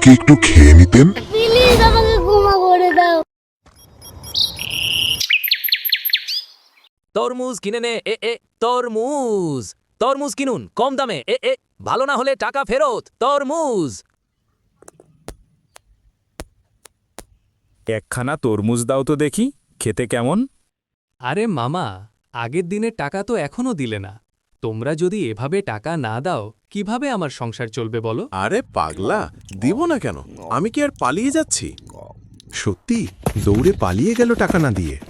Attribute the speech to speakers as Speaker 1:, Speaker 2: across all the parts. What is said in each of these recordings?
Speaker 1: আমাকে একটু খেয়ে নিতেন?
Speaker 2: প্লিজ আমাকে ক্ষমা করে দাও।
Speaker 3: তরমুজ কিনে নে। তরমুজ তরমুজ কিনুন কম দামে। ভালো না হলে টাকা ফেরত। তরমুজ।
Speaker 4: একখানা তরমুজ দাও তো দেখি, খেতে কেমন?
Speaker 5: আরে মামা, আগের দিনের টাকা তো এখনো দিলে না। তোমরা যদি এভাবে টাকা না দাও কিভাবে আমার সংসার চলবে বলো?
Speaker 6: আরে পাগলা, দিব না কেন? আমি কি আর পালিয়ে যাচ্ছি? সত্যি দৌড়ে পালিয়ে গেল টাকা না দিয়ে।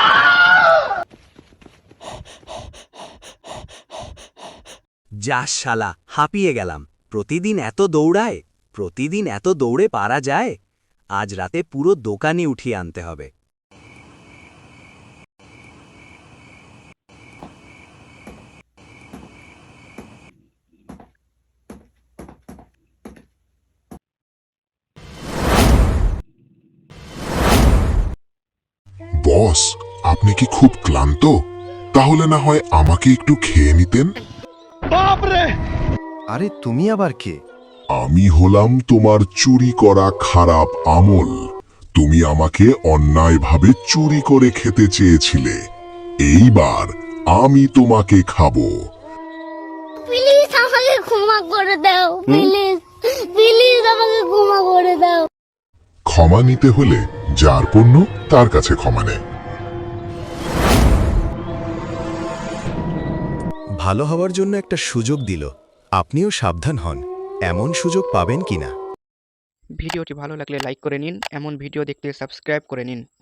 Speaker 7: যা শালা, হাঁপিয়ে গেলাম। প্রতিদিন এত দৌড়ায়, প্রতিদিন এত দৌড়ে পারা যায়? আজ রাতে পুরো দোকানই উঠিয়ে আনতে হবে।
Speaker 1: বস, আপনি কি খুব ক্লান্ত? তাহলে না হয় আমাকে একটু খেয়ে নিতেন?
Speaker 8: আরে তুমি আবার কে?
Speaker 1: আমি হলাম তোমার চুরি করা খারাপ আমল। তুমি আমাকে অন্যায়ভাবে চুরি করে খেতে চেয়েছিলে। এইবার আমি তোমাকে খাবো।
Speaker 2: প্লিজ আমাকে ক্ষমা করে দাও। প্লিজ প্লিজ আমাকে ক্ষমা করে দাও।
Speaker 1: ক্ষমা নিতে হলে যার পণ্য তার কাছে ক্ষমা নেয়।
Speaker 8: ভালো হওয়ার জন্য একটা সুযোগ দিল, আপনিও সাবধান হন, এমন সুযোগ পাবেন কিনা।
Speaker 9: ভিডিওটি ভালো লাগলে লাইক করে নিন, এমন ভিডিও দেখতে সাবস্ক্রাইব করে নিন।